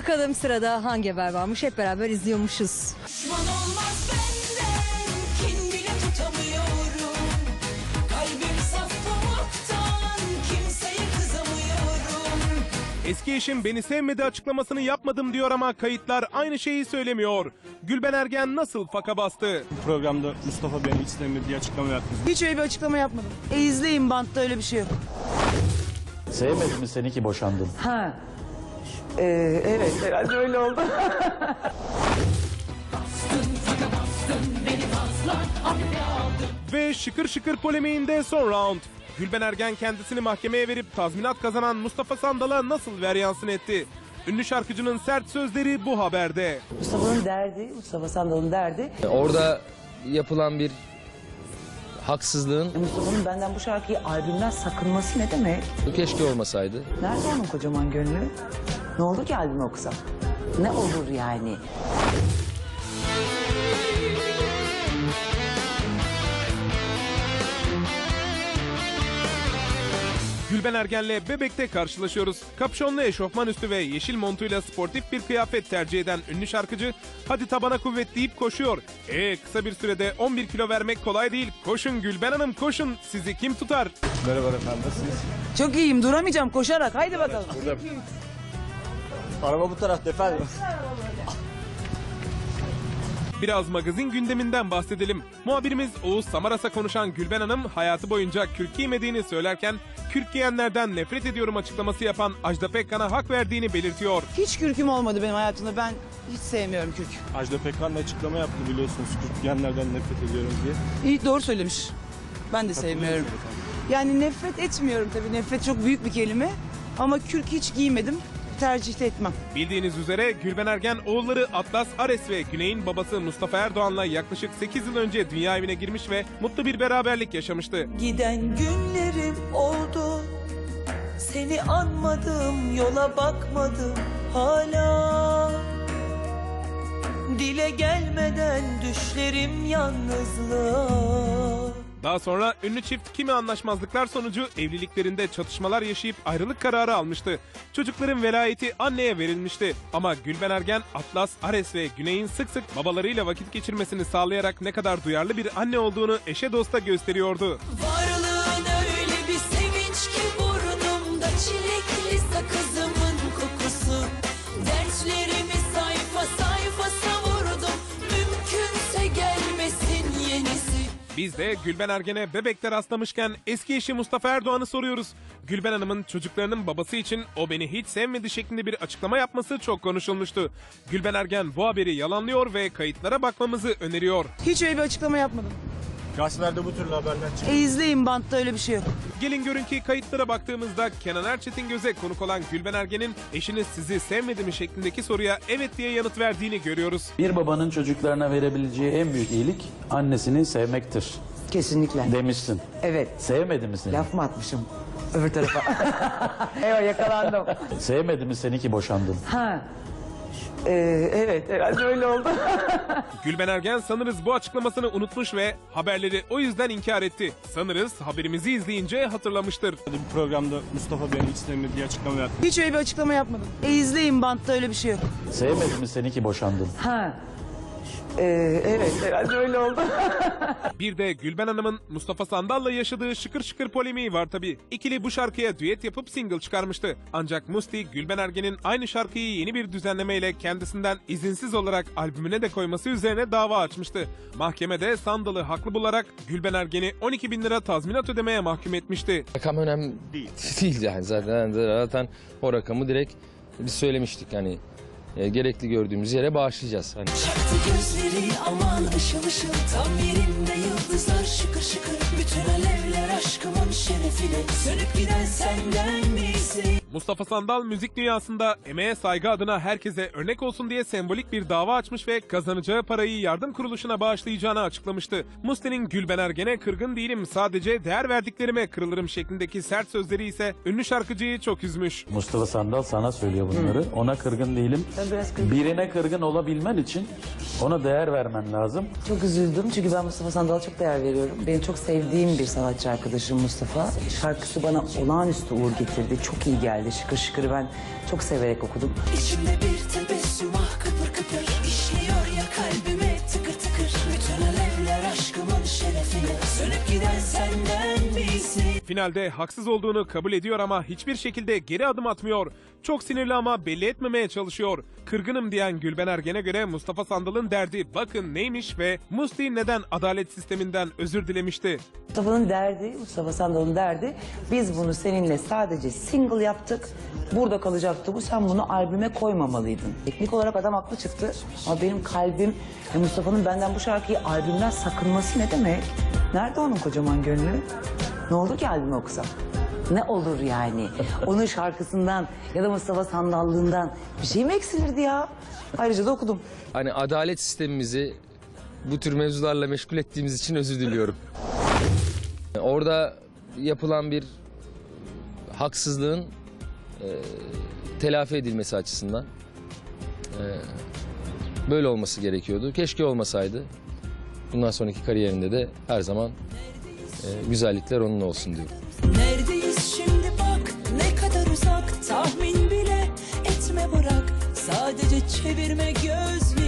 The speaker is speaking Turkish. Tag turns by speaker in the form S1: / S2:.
S1: Bakalım sırada hangi haber varmış, hep beraber izliyormuşuz.
S2: Düşman olmaz benden, kin bile tutamıyorum. Kalbim saf pamuktan, kimseye kızamıyorum.
S3: Eski eşim beni sevmedi açıklamasını yapmadım diyor ama kayıtlar aynı şeyi söylemiyor. Gülben Ergen nasıl faka bastı?
S4: Programda Mustafa beni hiç sevmedi diye açıklama yaptı.
S5: Hiç öyle bir açıklama yapmadım. İzleyin, bantta öyle bir şey yok.
S6: Sevmedim mi seni ki boşandın?
S5: Ha. Evet, herhalde öyle oldu.
S3: Ve şıkır şıkır polemiğinde son round. Gülben Ergen kendisini mahkemeye verip tazminat kazanan Mustafa Sandal'a nasıl veryansın etti? Ünlü şarkıcının sert sözleri bu haberde.
S5: Mustafa'nın derdi, Mustafa Sandal'ın derdi.
S7: Orada yapılan bir haksızlığın
S5: Mustafa'nın benden bu şarkıyı albümden sakınması ne demek?
S7: keşke olmasaydı.
S5: Nerede onun kocaman gönlü? Ne olur ki albümü okusam? Ne olur yani?
S3: Gülben Ergen'le Bebek'te karşılaşıyoruz. Kapşonlu eşofman üstü ve yeşil montuyla sportif bir kıyafet tercih eden ünlü şarkıcı hadi tabana kuvvet deyip koşuyor. Kısa bir sürede 11 kilo vermek kolay değil. Koşun Gülben Hanım koşun, sizi kim tutar?
S4: Merhaba efendim, nasılsınız?
S5: Çok iyiyim, duramayacağım koşarak. Haydi bakalım.
S4: Araba bu tarafta efendim.
S3: Biraz magazin gündeminden bahsedelim. Muhabirimiz Oğuz Samaras'a konuşan Gülben Hanım hayatı boyunca kürk giymediğini söylerken kürk giyenlerden nefret ediyorum açıklaması yapan Ajda Pekkan'a hak verdiğini belirtiyor.
S5: Hiç kürküm olmadı benim hayatımda. Ben hiç sevmiyorum kürk.
S4: Ajda Pekkan da açıklama yaptı biliyorsunuz. Kürk giyenlerden nefret ediyorum diye.
S5: İyi, doğru söylemiş. Ben de sevmiyorum. Yani nefret etmiyorum tabii. Nefret çok büyük bir kelime. Ama kürk hiç giymedim. Tercih de etmem.
S3: Bildiğiniz üzere Gülben Ergen oğulları Atlas Ares ve Güney'in babası Mustafa Erdoğan'la yaklaşık 8 yıl önce dünya evine girmiş ve mutlu bir beraberlik yaşamıştı.
S2: Giden günlerim oldu, seni anmadım, yola bakmadım hala. Dile gelmeden düşlerim yalnızlığa.
S3: Daha sonra ünlü çift kimi anlaşmazlıklar sonucu evliliklerinde çatışmalar yaşayıp ayrılık kararı almıştı. Çocukların velayeti anneye verilmişti. Ama Gülben Ergen, Atlas, Ares ve Güney'in sık sık babalarıyla vakit geçirmesini sağlayarak ne kadar duyarlı bir anne olduğunu eşe dosta gösteriyordu.
S2: Varlığın öyle bir sevinç ki burnumda çilekli sakızımın kokusu. Dertlerimi sayfa sayfa savurdum, mümkünse gelmesin yenisi.
S3: Biz de Gülben Ergen'e Bebek'te rastlamışken eski eşi Mustafa Erdoğan'ı soruyoruz. Gülben Hanım'ın çocuklarının babası için o beni hiç sevmedi şeklinde bir açıklama yapması çok konuşulmuştu. Gülben Ergen bu haberi yalanlıyor ve kayıtlara bakmamızı öneriyor.
S5: Hiç öyle bir açıklama yapmadım.
S4: Gazetelerde bu türlü haberler çıkıyor.
S5: İzleyin, bantta öyle bir şey yok.
S3: Gelin görün ki kayıtlara baktığımızda Kenan Erçetin Göz'e konuk olan Gülben Ergen'in eşiniz sizi sevmedi mi şeklindeki soruya evet diye yanıt verdiğini görüyoruz.
S6: Bir babanın çocuklarına verebileceği en büyük iyilik annesini sevmektir
S5: Kesinlikle.
S6: demişsin.
S5: Evet.
S6: Sevmedi mi seni?
S5: Laf mı atmışım öbür tarafa? Eyvah, yakalandım.
S6: Sevmedi mi seni ki boşandın?
S5: Ha. Evet, herhalde öyle oldu.
S3: Gülben Ergen sanırız bu açıklamasını unutmuş ve haberleri o yüzden inkar etti. Sanırız haberimizi izleyince hatırlamıştır.
S4: Bir programda Mustafa beni hiç sevmedi diye açıklama yaptı.
S5: Hiç öyle bir açıklama yapmadım. İzleyin, bantta öyle bir şey yok.
S6: Sevmedi mi seni ki boşandın?
S5: Ha. Evet, herhalde öyle oldu.
S3: Bir de Gülben Hanım'ın Mustafa Sandal'la yaşadığı şıkır şıkır polemiği var tabii. İkili bu şarkıya düet yapıp single çıkarmıştı. Ancak Musti, Gülben Ergen'in aynı şarkıyı yeni bir düzenlemeyle kendisinden izinsiz olarak albümüne de koyması üzerine dava açmıştı. Mahkemede Sandal'ı haklı bularak Gülben Ergen'i 12 bin lira tazminat ödemeye mahkum etmişti.
S7: Rakam önemli değil yani zaten o rakamı direkt biz söylemiştik hani gerekli gördüğümüz yere bağışlayacağız. Hani.
S2: Çaktı gözleri aman ışıl ışıl, tam yerinde yıldızlar şıkır şıkır. Bütün alevler aşkımın şerefine, sönüp giden senden birisi.
S3: Mustafa Sandal müzik dünyasında emeğe saygı adına herkese örnek olsun diye sembolik bir dava açmış ve kazanacağı parayı yardım kuruluşuna bağışlayacağını açıklamıştı. Musti'nin Gülben Ergen'e kırgın değilim, sadece değer verdiklerime kırılırım şeklindeki sert sözleri ise ünlü şarkıcıyı çok üzmüş.
S6: Mustafa Sandal sana söylüyor bunları. Ona kırgın değilim.
S5: Ben biraz kırgın.
S6: Birine kırgın olabilmen için Ona değer vermen lazım.
S5: Çok üzüldüm çünkü ben Mustafa Sandal'a çok değer veriyorum. Benim çok sevdiğim bir sanatçı arkadaşım Mustafa. Şarkısı bana olağanüstü uğur getirdi. Çok iyi geldi. Şıkır şıkır ben çok severek okudum.
S2: İçimde bir tebessüm ah kıpır kıpır işliyor ya kalbime tıkır tıkır. Bütün alevler aşkımın şerefine sönüp giden senden bir iyisi.
S3: Finalde haksız olduğunu kabul ediyor ama hiçbir şekilde geri adım atmıyor. Çok sinirli ama belli etmemeye çalışıyor. Kırgınım diyen Gülben Ergen'e göre Mustafa Sandal'ın derdi bakın neymiş ve Musti neden adalet sisteminden özür dilemişti.
S5: Mustafa'nın derdi, Mustafa Sandal'ın derdi, biz bunu seninle sadece single yaptık. Burada kalacaktı bu, sen bunu albüme koymamalıydın. Teknik olarak adam haklı çıktı ama benim kalbim Mustafa'nın benden bu şarkıyı albümden sakınması ne demek? Nerede onun kocaman gönlü? Ne olur ki albüme okusam? Ne olur yani? Onun şarkısından ya da Mustafa Sandallığından bir şey mi eksilirdi ya? Ayrıca da okudum.
S7: Hani adalet sistemimizi bu tür mevzularla meşgul ettiğimiz için özür diliyorum. Orada yapılan bir haksızlığın telafi edilmesi açısından böyle olması gerekiyordu. Keşke olmasaydı. Bundan sonraki kariyerinde de her zaman güzellikler onunla olsun diyorum.
S2: Neredeyiz şimdi bak ne kadar uzak tahmin bile etme bırak. Sadece çevirme gözleri.